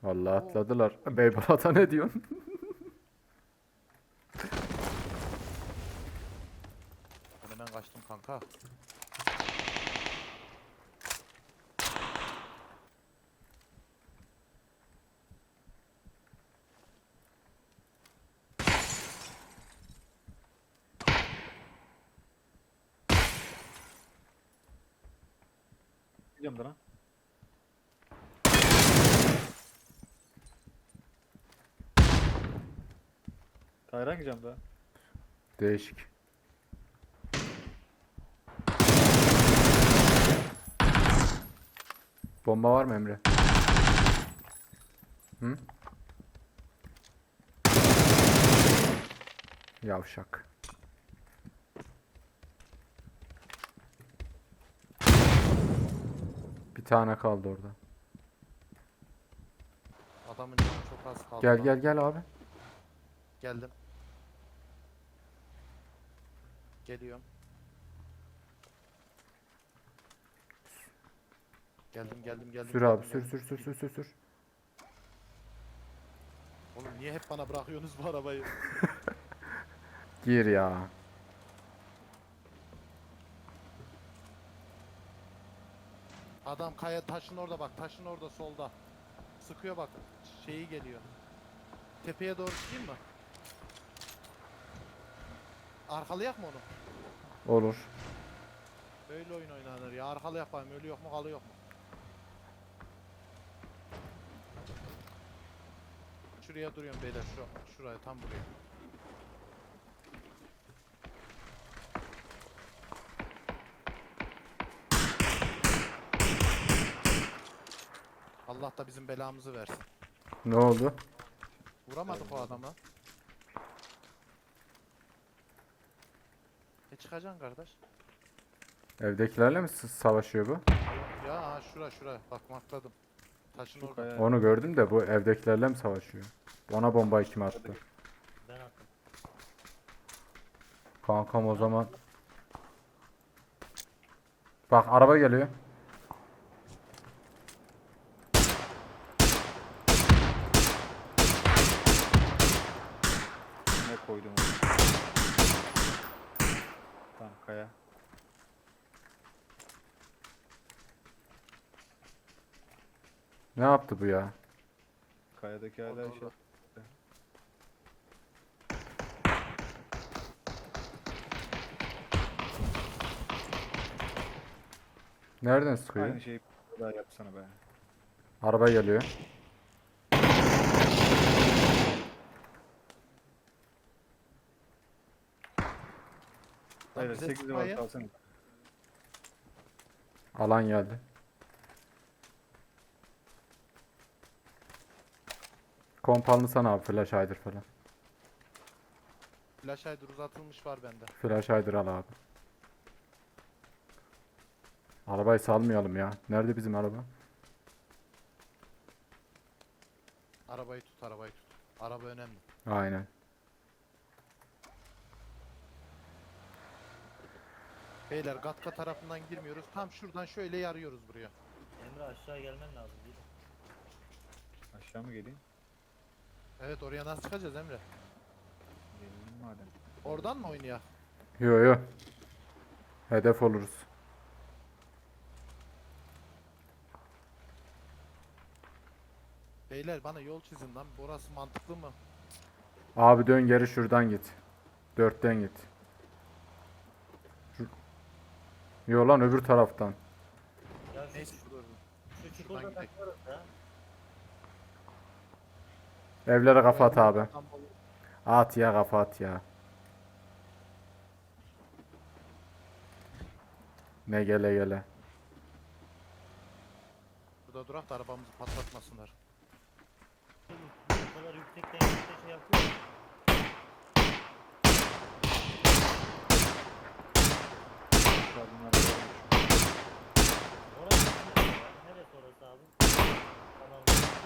Vallahi Oo. atladılar. Beybalata ne diyorsun? Ben hemen kaçtım kanka. Gidiyorum da lan. Tayran gideceğim daha. Değişik. Bomba var mı Emre? Hı? Yavşak. Bir tane kaldı orada. Adamın canı çok az kaldı Gel lan. gel gel abi. Geldim. Geliyorum. Geldim. Sür abi sür sür sür sür sür sür. Oğlum niye hep bana bırakıyorsunuz bu arabayı? Gir ya. Adam kaya taşın orada bak. Taşın orada solda. Sıkıyor bak. Şeyi geliyor. Tepeye doğru çıkayım mı? Arkalayak mı onu? Olur. Böyle oyun oynanır ya. Arkalayak bakayım. Ölü yok mu kalı yok mu? Şuraya duruyorum beyler. Şuraya tam buraya. Allah da bizim belamızı versin. Ne oldu? Vuramadık o adama. Çıkacaksın kardeş. Evdekilerle mi savaşıyor bu? Ya ha, şura bak markladım. Taşın Şu orada. kaya. Onu gördüm de bu evdekilerle mi savaşıyor? Ona bombayı kim attı? Ben attım. Kankam o zaman. Bak araba geliyor. Ne koydum oraya? Tamam kaya. Ne yaptı bu ya? Kayadaki hala Orada, şey. orada. Nereden sıkıyor? Aynı şeyi daha yapsana be. Araba geliyor. Lan Hayır bize 8 var sıkmayın. kalsana. Alan geldi. Kompalını sana abi flash hider falan. Flash hider uzatılmış var bende. Flash hider al abi. Arabayı salmayalım ya. Nerede bizim araba? Arabayı tut. Araba önemli. Aynen. Beyler Gatka tarafından girmiyoruz. Tam şuradan şöyle yarıyoruz buraya. Emre aşağı gelmen lazım değil mi? Aşağı mı geleyim? Evet oraya nasıl çıkacağız Emre? Geleyim madem. Oradan mı oynayak? Yo yo. Hedef oluruz. Beyler bana yol çizin lan. Burası mantıklı mı? Abi dön geri şuradan git. 4'ten git. Yo lan öbür taraftan. Ya şu, Neyse şurada. şu şuradan çukurda gidelim. taklarız ya. Evlere kafa at abi. Tam olur. At ya kafa at ya. Ne gele gele. Burada durak da arabamızı patlatmasınlar. Bu kadar yüksekten şey yapıyor. Aşağı bunlar da varmış. Orası neresi? Neresi orası abi? Tamam.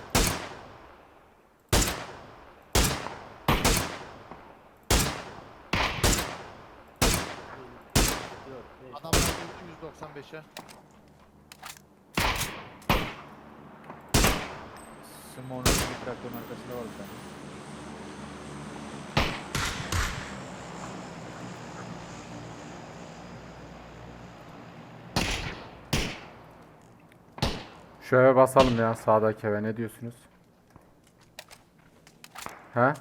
Dört, beş. Adamlar öldü 195'e. Isınma onun için bir traktörün arkasında var bir tane. Şu eve basalım ya, sağdaki eve, ne diyorsunuz? He?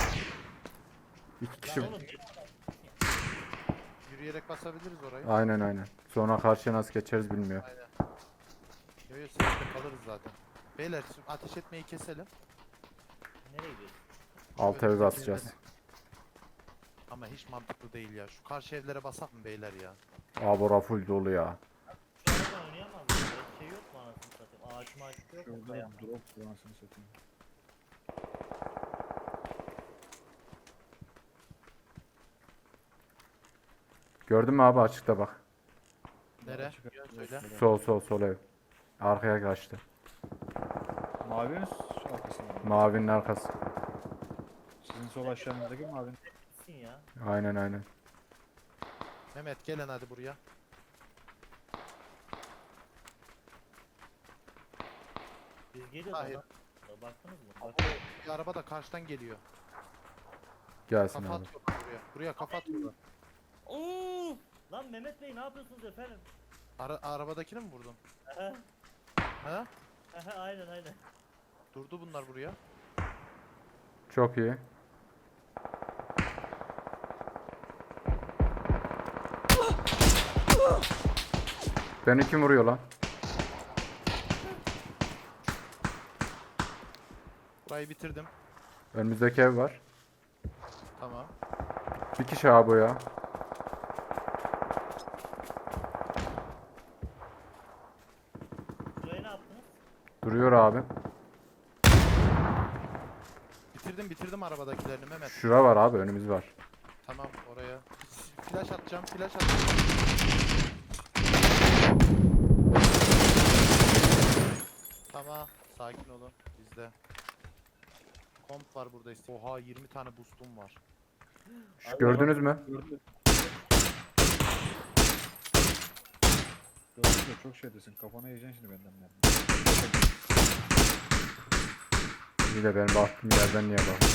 İki kişi. Lan oğlum Yürüyerek basabiliriz orayı. Aynen aynen. Sonra karşıya nasıl geçeriz bilmiyor. Yo yo seyirde kalırız zaten. Beyler şimdi ateş etmeyi keselim. nereye gidiyorsun? Alt evi basacağız. Ama hiç mantıklı değil ya. Şu karşı evlere basak mı beyler ya? Aa, bura full dolu ya. Şu aradan oynayamaz mıyız? Böyle şey yok mu anasını satayım? Ağaç maaç yok mu? Şurada Kaya. drop bu anasını satayım. Gördün mü abi, açıkta bak. Nere? Açık- Yön söyle. Sol ev. Arkaya kaçtı. Mavi mi şu arkasında mı? Mavinin arkası. Sizin sol aşağınızdaki mavi. Gitsin ya. Aynen. Mehmet gelin hadi buraya. Biz geliyoruz Hayır. ona. Baktınız mı? Bak. Bir araba da karşıdan geliyor. Gelsin Kafa abi. atıyorlar buraya. Buraya kafa atıyorlar. Oo! Lan Mehmet Bey ne yapıyorsunuz efendim? Arabadakini mi vurdun? Aha, Ha? aha, aynen. Durdu bunlar buraya. Çok iyi. Beni kim vuruyor lan? Burayı bitirdim. Önümüzdeki ev var. Tamam. Bir kişi abi o ya. Burayı ne yaptınız? Duruyor abi. Bitirdim arabadakilerini Mehmet. Şura var abi, önümüz var. Tamam oraya. Flash atacağım. Tamam. Sakin olun. Bizde. Komp var burada işte. Oha 20 tane boostum var. Şu, gördünüz mü? Gördüm. Gördüm de çok şeydesin. Kafana yiyeceksin şimdi benden mermi. İyi de benim baktığım yerden niye bak?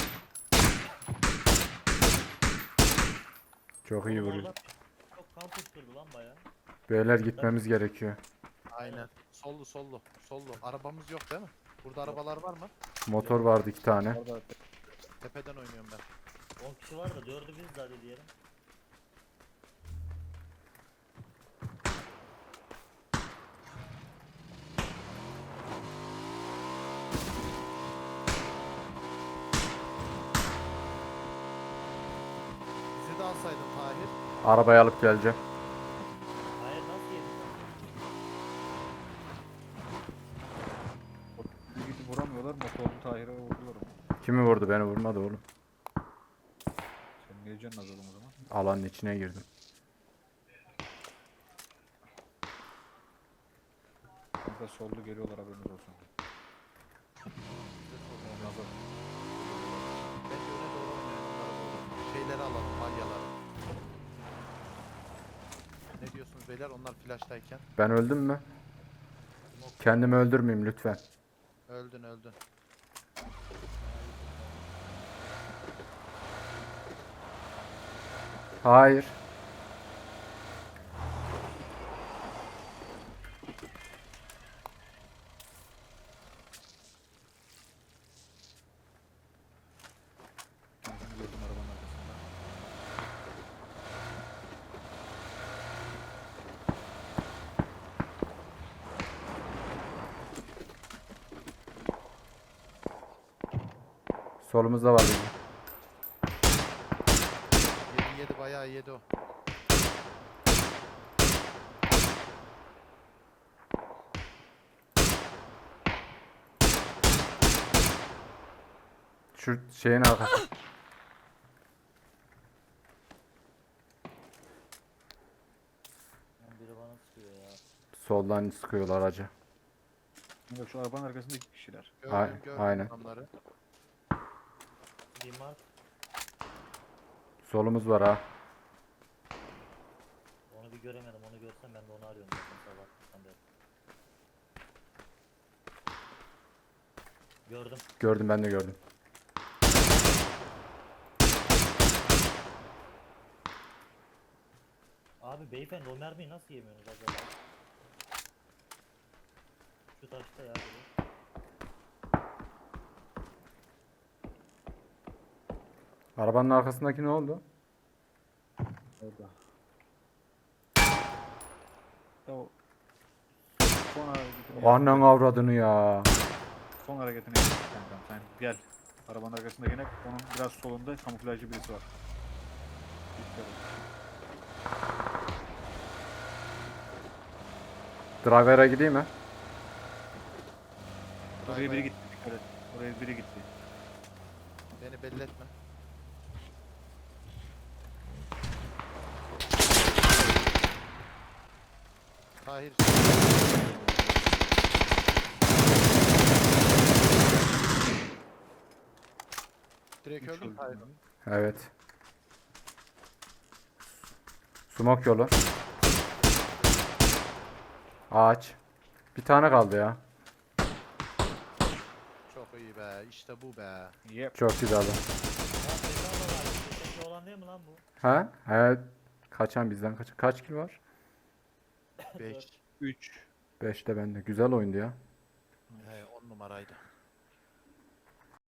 Çok iyi Oğlum vuruyor. orada çok kan fışkırdı lan baya. Beyler gitmemiz gerekiyor. Aynen. Sollu. Arabamız yok değil mi? Burada arabalar var mı? Motor vardı 2 tane. Orada Tepeden oynuyorum ben. 10 kişi var da 4'ü biz hadi diyelim. Bizi de alsaydın Tahir. Arabayı alıp geleceğim. Hayır nasıl yedin? bir gidip vuramıyorlar. Motorlu Tahir'e vurdular onu. Kimi vurdu? Beni vurmadı oğlum. Sen niye canın az oğlum o zaman? Alanın içine girdim. Kanka sollu geliyorlar haberiniz olsun. Onlar da Bence öne doğru oynayalım. bunlara doğru. Şeyleri alalım, balyaları. Ne diyorsunuz beyler? Onlar flashtayken. Ben öldüm mü? Kendimi öldürmeyeyim lütfen. Öldün. Hayır. kendini gördüm arabanın arkasında. Solumuzda var bizim. Yedi bayağı yedi o. Şu şeyin arkası. Lan biri bana sıkıyor ya. Soldan sıkıyorlar acı. Kanka şu arabanın arkasında 2 kişiler. Gördüm Aynen. adamları. Bir mark Solumuz var ha. onu bir göremedim. Onu görsem ben de onu arıyorum zaten sabahtan beri. Gördüm. Gördüm, ben de gördüm. Abi beyefendi o mermiyi nasıl yemiyorsunuz acaba? Şu taşta ya. Biri. Arabanın arkasındaki ne oldu? Orada. Ya o son hareketini Annen avradını ya. Son hareketini yap kankam. Sen gel. Arabanın arkasında gene onun biraz solunda kamuflajlı birisi var. Dikkat et. Driver'a gideyim mi? Oraya biri gitti. Dikkat et. Oraya biri gitti. Beni belli etme. Tahir. Direkt Üç öldüm öldü. Tahir. Evet. Sumak yolu. Ağaç. Bir tane kaldı ya. Çok iyi be. İşte bu be. Yep. Çok güzeldi. Lan bedava var. Sesli olan değil mi lan bu? Ha? Evet. Kaçan bizden kaçan. Kaç kill var? 5. 3. 5'te bende. Güzel oyundu ya. He 10 numaraydı.